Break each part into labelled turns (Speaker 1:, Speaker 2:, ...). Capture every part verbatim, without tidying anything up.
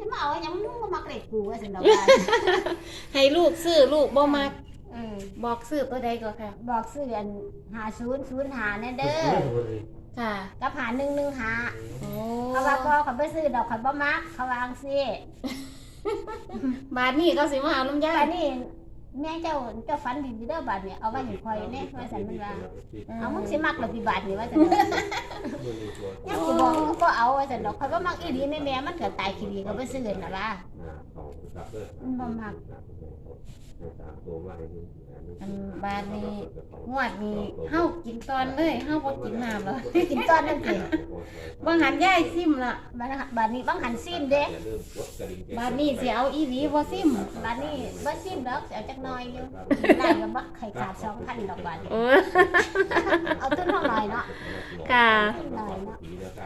Speaker 1: ที่มาเอายังมึงก็มักเล็กกูว่าสินดอก
Speaker 2: ให้ลูกซื้อลูกบ่มัก
Speaker 1: เออ
Speaker 2: บอกซื้อตัวใดก็ค่ะ
Speaker 1: บอกซื้ออันหาศูนย์ศูนย์หาแน่เด้อ
Speaker 2: ค่ะ
Speaker 1: กับหาหนึ่งหนึ่งหา
Speaker 2: โอ้
Speaker 1: เขาว่าพ่อเขาไปซื้อดอกเขาบ่มักเขาวางซิ
Speaker 2: บาทนี้เขาสิมาเอาลำไย
Speaker 1: บาทนี้แม่เจ้าเจ้าฝันดีเด้อบาทเนี่ยเอาไว้ให้คอยเนี่ยว่าสันมันว่าเอามึงสิมักหรือพี่บาทนี่ว่าสันยังสิบอกก็เอาว่าสันดอกเขาบ่มักอีหลีแม่แม่มันก็ตายขี้ดีเขาไปซื้อน่ะว่ามันบ่มัก
Speaker 2: อันบาทนี้งวดนี้เฮากินตอนเลยเฮาบ่กินน้ำแล้ว
Speaker 1: กินตอนนั่นสิ
Speaker 2: บางหันยายซิมละ
Speaker 1: บาทบาทนี้บางหันซิมเด้
Speaker 2: บาทนี้สิเอาอีหลีบ่ซิม
Speaker 1: บาทนี้บ่ซิมดอกเอาจักหน่อยอยู่ได้ก็บักไข่ขาด สองพัน ดอกบาทเอาต้นเท่าหน่อยเนาะ
Speaker 2: ค่ะ
Speaker 1: หน่อยเนาะ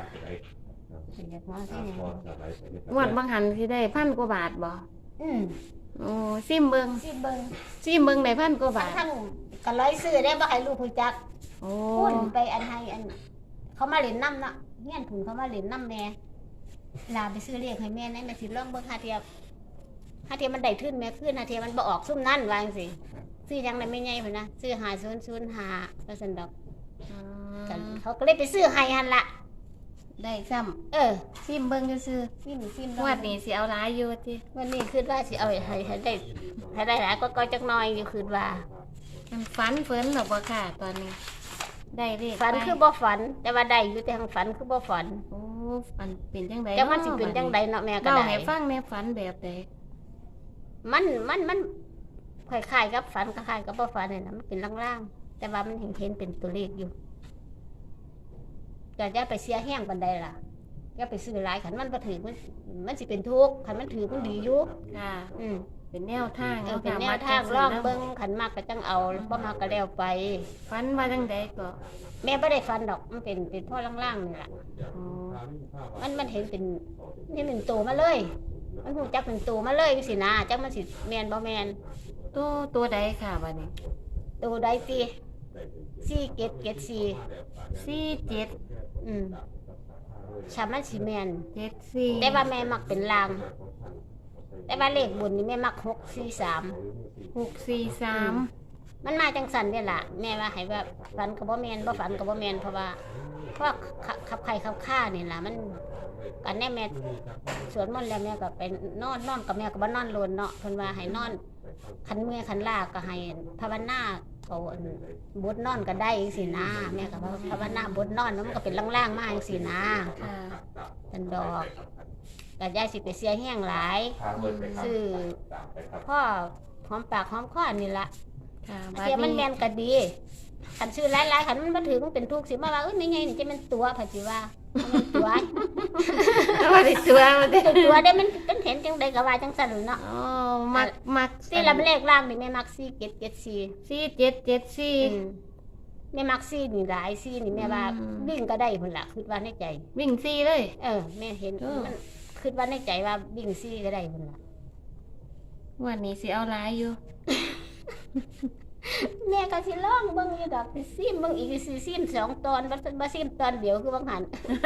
Speaker 2: งวดบางหันสิได้พันกว่าบาทบ่
Speaker 1: อืม
Speaker 2: โอ้ซิมเบิ่ง
Speaker 1: ซิมเบิ่ง
Speaker 2: ซิมเบิ่งได้พันกว่าบาท
Speaker 1: ทั้งก็ร้อยซื้อได้บ่ให้ลูกฮู้จัก
Speaker 2: โอ้
Speaker 1: พุ่นไปอันให้อันเขามาเล่นน้ำเนาะเฮียนผุนเขามาเล่นน้ำแม่ลาไปซื้อเลขให้แม่นั่นแม่สิลองเบิ่งหาเทียบหาเทียบมันได้ขึ้นแม่ขึ้นหาเทียบมันบ่ออกซุ่มนั่นว่าจังซี่ซื้อจังได๋ไม่ใหญ่พุ่นนะซื้อห้าศูนย์ศูนย์ห้าว่าซั่นดอกกันเขาก็เลยไปซื้อให้หั่นล่ะ
Speaker 2: ได้ซ้ำ
Speaker 1: เออ
Speaker 2: ซิมเบิ่งซื่อ
Speaker 1: ซิมซิม
Speaker 2: งวดนี้สิเอาหลายอยู่ติ
Speaker 1: วันนี้คิดว่าสิเอาให้ให้ได้ให้ได้หลายก็จักหน่อยอยู่คิดว่า
Speaker 2: มันฝันเฟินหรอบ่ค่ะตอนนี้ได้เลข
Speaker 1: ฝันคือบ่ฝันแต่ว่าได้อยู่แต่ทางฝันคือบ่ฝัน
Speaker 2: โอ้ฝันเป็นจังได๋
Speaker 1: จังมันสิเป็นจังได๋เนาะแม่ก็ได้
Speaker 2: เล่าให้ฟังแม่ฝันแบบใด
Speaker 1: มันมันมันคล้ายๆกับฝันคล้ายๆกับบ่ฝันนี่นะมันเป็นล่างๆแต่ว่ามันเห็นเห็นเป็นตัวเลขอยู่ก็จะไปเสียแห้งปานใดล่ะอย่าไปซื้อหลายขันมันบ่ถือมันมันสิเป็นทุกข์ขันมันถือมันดีอยู่
Speaker 2: ค่ะ
Speaker 1: อืม
Speaker 2: เป็นแนวทาง
Speaker 1: เอาเป็นแนวทางลองเบิ่งขันมากก็จังเอาบ่มากก็แล้วไป
Speaker 2: ฝันว่าจังได๋ก็
Speaker 1: แม่บ่ได้ฝันดอกมันเป็นเป็นพ่อล่างๆนี่ล่ะมันมันเห็นเป็นนี่เป็นตัวมาเลยมันฮู้จักเป็นตัวมาเลยจังซี่นะจังมันสิแม่นบ่แม่น
Speaker 2: ตัวตัวใดค่ะบัดนี้
Speaker 1: ตัวใดติสี่เจ็ดเจ็ดสี่
Speaker 2: สี่เจ็ด
Speaker 1: อืมชามันสิแม่น
Speaker 2: เจ็ดสี่
Speaker 1: แต่ว่าแม่มักเป็นลางแต่ว่าเลขบนนี่แม่มักหกสี่สาม
Speaker 2: หกสี่สาม
Speaker 1: มันมาจังสันเนี่ยล่ะแม่ว่าให้ว่าฝันกับบ่แม่นบ่ฝันกับบ่แม่นเพราะว่าเพราะขับไข่ขับข้านี่ล่ะมันกันแน่แม่สวดมนต์แล้วแม่ก็ไปนอนนอนกับแม่ก็บ่นอนโลนเนาะเพิ่นว่าให้นอนคันเมื่อยคันลาก็ให้ภาวนาเขาบดนอนก็ได้จังซี่นะแม่ก็ภาวนาบดนอนมันก็เป็นล่างๆมาจังซี่นะ
Speaker 2: ค่ะ
Speaker 1: เป็นดอกก็ยายสิไปเสียแห้งหลายซื้อพ่อหอมปากหอมคอนี่ล่ะเสียมันแม่นก็ดีคันซื้อหลายๆคันมันบ่ถือมันเป็นทุกข์สิมาว่าเอ้ยไม่ไงนี่จะมันตัวผัดสิว่ามันตัว
Speaker 2: ว่าได้ตัวมันได้
Speaker 1: ตัวได้มันเป็นเห็นจังได๋ก็ว่าจังซั่นเนาะ
Speaker 2: อ๋อมักมัก
Speaker 1: สิละเลขล่างนี่แม่มักสี่เจ็ดเจ็ดสี่
Speaker 2: สี่เจ็ดเจ็ดสี่
Speaker 1: แม่มักสี่นี่หลายสี่นี่แม่ว่าวิ่งก็ได้พุ่นล่ะคิดว่าในใจ
Speaker 2: วิ่งสี่เลย
Speaker 1: เออแม่เห็นมันคิดว่าในใจว่าวิ่งสี่ก็ได้พุ่นล่ะ
Speaker 2: วันนี้สิเอาหลายอยู่
Speaker 1: แม่ก็สิลองเบิ่งอยู่ดอกสิซิมเบิ่งอีกสิซิมสองตอนบ่บ่ซิมตอนเดียวคือบางหัน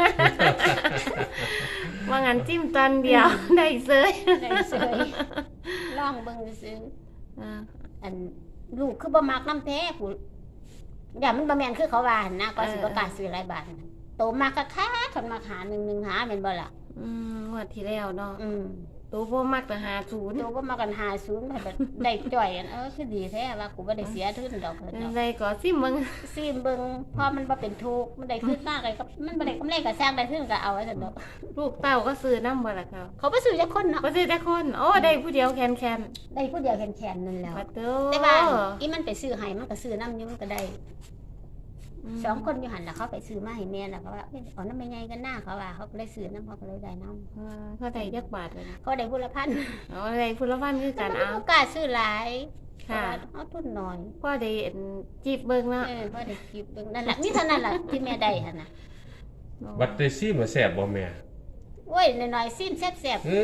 Speaker 2: ว่างั้นจิ้มตอนเดียวได้เสย
Speaker 1: ได้เสยลองเบิ่งซื่ออ่าอันลูกคือบ่มักน้ำแท้ผู้อย่ามันบ่แม่นคือเขาว่านะก็สิบ่กล้าซื้อหลายบาทโตมากคักๆคันมาหาหนึ่งหนึ่งหาแม่นบ่ล่ะ
Speaker 2: อืมงวดที่แล้วเนาะ
Speaker 1: อืม
Speaker 2: ตัวบ่มักแต่หาศูนย์
Speaker 1: ตัวบ่มักกันหาศูนย์แบบได้จ่อยอันเออคือดีแท้ว่ากูบ่ได้เสียทุนดอกเพิ่นดอก
Speaker 2: ได้ก็ซิมเบิ่ง
Speaker 1: ซิมเบิ่งพอมันบ่เป็นทุกข์มันได้ขึ้นมากเลยก็มันบ่ได้กำไรก็สร้างได้ขึ้นก็เอาไว้ซั่นดอก
Speaker 2: ลูกเต้าก็ซื้อนำบ่ล่ะครับ
Speaker 1: เขาบ่ซื้อจักคนเนาะ
Speaker 2: บ่ซื้อจักคนโอ้ได้ผู้เดียวแคน
Speaker 1: ๆได้ผู้เดียวแคนๆนั่นแหละแต่ว่าอีมันไปซื้อให้มันก็ซื้อนำอยู่มันก็ได้สองคนอยู่หันแล้วเขาไปซื้อมาให้แม่แล้วเขาว่าเอาน้ำไม่ไงกันหน้าเขาว่าเขาก็เลยซื้อน้ำเขาก็เลยได้น้
Speaker 2: ำเขาได้ยักบาทเลย
Speaker 1: เขาได้พุละพัน
Speaker 2: อ๋อได้พุละพันคือการเอา
Speaker 1: กล้าซื้อหลายค่ะเอาทุนหน่อย
Speaker 2: ก็ได้จีบเบิ้งนะ
Speaker 1: เออก็ได้จีบเบิ้งนั่นแหละนี่เท่านั้นแหละที่แม่ได้ฮะนะ
Speaker 3: บัตรเตซี่มาแสบบ่แม่
Speaker 1: โอ้ยหน่อยๆซิมแซ่บๆ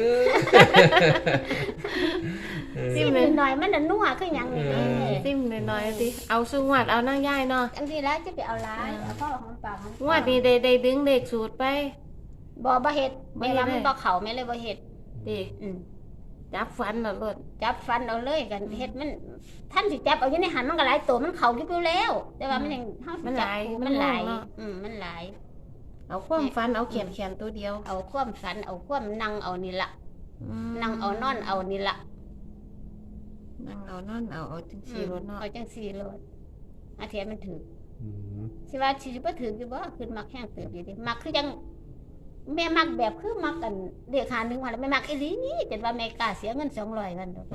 Speaker 1: ซิมหน่อยๆมันนัวคือหยังนี่
Speaker 2: ซิมหน่อยๆสิเอาซึ่งวัดเอานั่งย่ายเนาะ
Speaker 1: อันที่แล้วจะไปเอาร้ายเอาพ่อของปากของ
Speaker 2: วัดนี่ได้ได้ดึงเด็กสูตรไป
Speaker 1: บ่บ่เฮ็ดแม่ว่ามันบ่เข้าแม่เลยบ่เฮ็ด
Speaker 2: ดิ
Speaker 1: อืม
Speaker 2: จับฟันเอาโลด
Speaker 1: จับฟันเอาเลยกันเฮ็ดมันท่านสิจับเอาอยู่ในหันมันก็หลายตัวมันเข้าอยู่แล้ว แต่ว่ามันยังเฮาสิ
Speaker 2: มันห
Speaker 1: จับ
Speaker 2: ลาย
Speaker 1: มันหลาย
Speaker 2: เนาะ
Speaker 1: อืมมันหลาย
Speaker 2: เอาความฟันเอาเขียนเขียนตัวเดียว
Speaker 1: เอาความฝันเอาความนั่งเอานี่ล่ะ
Speaker 2: อืม
Speaker 1: นั่งเอานอนเอานี่ล่ะ
Speaker 2: นั่งเอานอนเอาเอาจังซี่รถเนาะ
Speaker 1: เอาจังซี่โลดอาเทียนมันถือ
Speaker 3: อืม
Speaker 1: สิว่าสิบ่ถืออยู่บ่คือมักแห้งเติบอยู่ดิมักคือจังแม่มักแบบคือมักกันเด็กหาหนึงว่าแล้วแม่มักอีหลีนี่จนว่าแม่กล้าเสียเงินสองร้อยวันดอก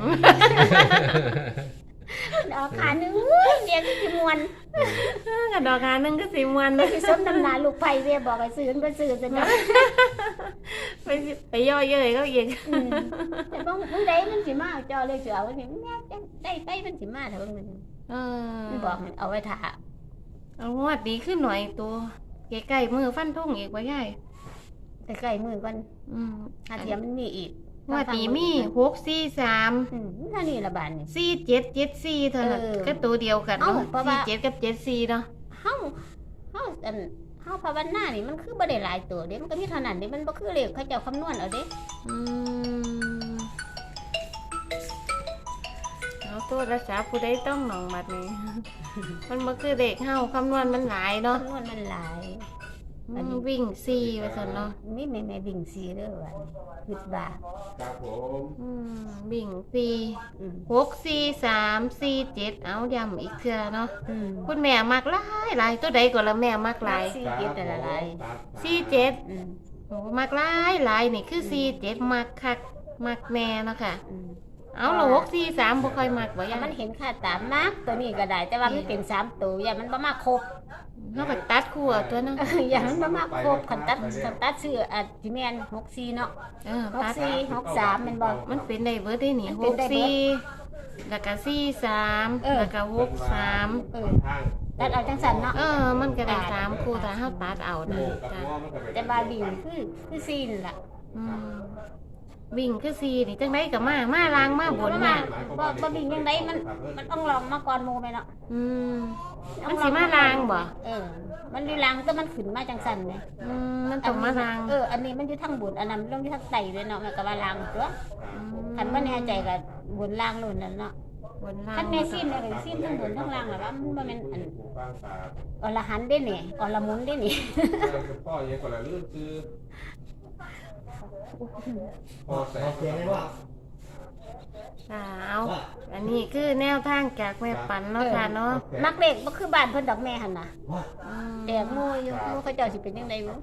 Speaker 1: ดอกขาหนึงเรียนสิมวน
Speaker 2: กระดอกหาหนึงก็สิมวน
Speaker 1: ไปสิสมน้ำหน้าลูกไผเว้ยบอกให้ซื้อมันบ่ซื้อซะเนาะ
Speaker 2: ไปสิไปย่อเย้ยเขาอีก
Speaker 1: อืมแต่บ่มื้อใดมันสิมาเจ้าเลยสิเอาไว้นี่แม่จังได้ไปมันสิมาถ้าเบิ่งมัน
Speaker 2: เออ
Speaker 1: มันบอกให้เอาไว้ท่า
Speaker 2: เอางวดดีขึ้นหน่อยตัวใกล้ๆมือฟันทุ่งอีกว่าใหญ่
Speaker 1: ใกล้ๆมื้อก่อน
Speaker 2: อืม
Speaker 1: อาเทียมมันมีอีก
Speaker 2: งวดดีมีหกสี่สาม
Speaker 1: อืมนั่นนี่ละบาดนี่
Speaker 2: สี่เจ็ดเจ็ดสี่เท่านั้น
Speaker 1: เออ
Speaker 2: ก็ตัวเดียวกัน
Speaker 1: เอ้า
Speaker 2: เนาะ
Speaker 1: เพราะ
Speaker 2: สี่
Speaker 1: ว่า
Speaker 2: เจ็ดกับเจ็ดสี่เนาะ
Speaker 1: เฮาเฮาอันเฮาภาวนานี่มันคือบ่ได้หลายตัวเด้มันก็มีเท่านั้นเด้มันบ่คือเลขเขาเจ้าคำนวณเอาเด้
Speaker 2: อืมเอาตัวรักษาผู้ใดต้องหนองบัดนี้ มันบ่คือเด็กเฮาคำนวณมันหลายเนาะ
Speaker 1: คำนวณมันหลาย
Speaker 2: อืมวิ่งสี่ว่าซั่นเนาะ
Speaker 1: มีแม่แม่วิ่งสีเด้อว่าคิดว่า
Speaker 3: ครับผม
Speaker 2: อืมวิ่งสี่
Speaker 1: อืม
Speaker 2: หกสี่สามสี่เจ็ดเอาย้ำอีกเทื่อเนาะ
Speaker 1: อืม
Speaker 2: คุณแม่มักหลายหลายตัวใดก็ละแม่มักหลาย
Speaker 1: สี่เจ็ดแต่ละหลาย
Speaker 2: สี่เจ็ด
Speaker 1: อืม
Speaker 2: โอ้มักหลายหลายนี่คือสี่เจ็ดมักคักมักแน่เนาะค่ะ
Speaker 1: อืม
Speaker 2: เอาละหกสี่สามบ่ค่อยมักบ่
Speaker 1: แต่
Speaker 2: ยัง
Speaker 1: มันเห็นค่าตามมากตัวนี้ก็ได้ แต่ว่ามันเป็นสามตัวอย่ามันบ่มาครบ
Speaker 2: เฮาก็ตัดคู่เอาตัวเนาะ
Speaker 1: อย่ามันบ่มาครบคันตัดคันตัดซื้ออ่ะสิแม่นหกสี่เนาะ
Speaker 2: เออ
Speaker 1: หก
Speaker 2: ตัด
Speaker 1: สี่หกสามแม่นบ่
Speaker 2: มันเป็นได้เบิดได้นี่
Speaker 1: มัน
Speaker 2: ห
Speaker 1: เป็น
Speaker 2: ก
Speaker 1: ได้เบิด
Speaker 2: สี่แล้วก็สี่สาม
Speaker 1: เออ
Speaker 2: แล้วก็หกสาม
Speaker 1: เออตัดเอาจังซั่นเนาะ
Speaker 2: เออ มันก็ได้สามคู่ถ้าเฮาตัดเอานะจ้ะ
Speaker 1: แต่บาวิ่งคือคือซีนล่ะ
Speaker 2: อืมวิ่งคือสี่นี่จังไดก็มามาล้างมาบน
Speaker 1: บ่
Speaker 2: แม่
Speaker 1: บ่บ่วิ่งยังไงมันมันต้องลองมาก่อนหมู่แม่เนาะ
Speaker 2: อืมมันสิมาล้างบ่
Speaker 1: เออ มันอยู่ล้างแต่มันขึ้นมาจังซั่นแหม
Speaker 2: อืมมันต้องมาล้าง
Speaker 1: เอออันนี้มันอยู่ทางบนอันนั้นมันลงอยู่ทางใต้เลยเนาะแม่ก็ว่าล้างตัวคันบ่แน่ใจก็บนล้างนู่นนั่นเนาะ
Speaker 2: บนล้าง
Speaker 1: คันแม่ซีนแล้วก็ซีนทั้งบนทั้งล่างล่ะว่ามันบ่แม่นอันอรหันต์เด้นี่อรมุนเด้นี่
Speaker 3: พ่อยังก่อนละลื่นซื้อพ่อแสง
Speaker 2: ค่ะเอาอันนี้คือแนวทางจากแม่ปันเนาะค่ะเนาะ
Speaker 1: มักเลขบ่คือบ้านเพิ่นดอกแม่หั่นน่ะ
Speaker 2: อืม
Speaker 1: แดกโง่อยู่โง่เขาเจ้าสิเป็นจังไดบ่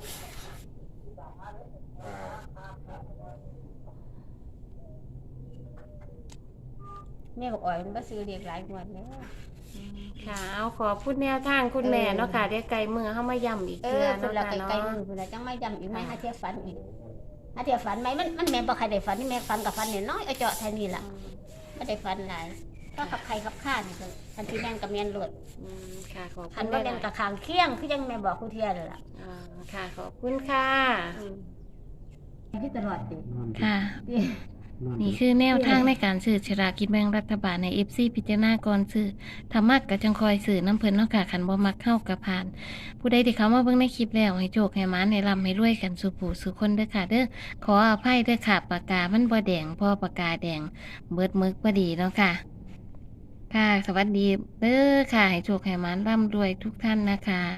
Speaker 1: แม่บอกอ่อยมันบ่ซื้อเลขหลายงวดแล้ว
Speaker 2: ค่ะเอาขอพูดแนวทางคุณแม่เนาะค่ะเดี๋ยวไกลมือเข้ามาย้ำอีก
Speaker 1: เอ
Speaker 2: เทื่
Speaker 1: อ
Speaker 2: อ
Speaker 1: เพิ่น
Speaker 2: เนาะ
Speaker 1: ละ
Speaker 2: ค่ะ
Speaker 1: ไกล
Speaker 2: เนาะ
Speaker 1: ๆมือเพิ่นละจังไม่ย้ำอีกแม่หาเที่ยฝันอีกหาเที่ยฝันไหมมันมันแม่นบ่ใครได้ฝันนี่แม่ฝันกับฝันน้อยๆเอาเจาะเท่านี้ล่ะบ่ได้ฝันหลายก็ขับใครขับข้านี่ก็คันที่แม่นกับแม่นโลด
Speaker 2: อืมค่ะขอบ
Speaker 1: คั
Speaker 2: คุ
Speaker 1: น
Speaker 2: ณ
Speaker 1: บ่
Speaker 2: แม่
Speaker 1: แม่นกับข้างเคียงคือจังแม่บอกผู้เที่ยนั่นล่ะ
Speaker 2: อ่าค่ะขอบคุณค่ะ
Speaker 1: อืมที่ตลอดติ
Speaker 2: ค่ะ นี่คือแนวทางในการซื้อฉลากกินแบ่งรัฐบาลใน เอฟ ซี พิจารณาก่อนซื้อถ้ามักก็จังคอยซื้อน้ำเพิ่นเนาะค่ะคันบ่มักเข้ากับผ่าน ผู้ใดที่เขามาเบิ่งในคลิปแล้วให้โชคให้หมาให้ร่ำให้รวยกันสู่ผู้สู่คนเด้อค่ะเด้อขออภัยเด้อค่ะปากกามันบ่แดงเพอปากกาแดงเบิดมึกบ่ดีเนาะค่ะ ค่ะ สวัสดีเด้อค่ะให้โชคให้หมาร่ำรวยทุกท่านนะคะ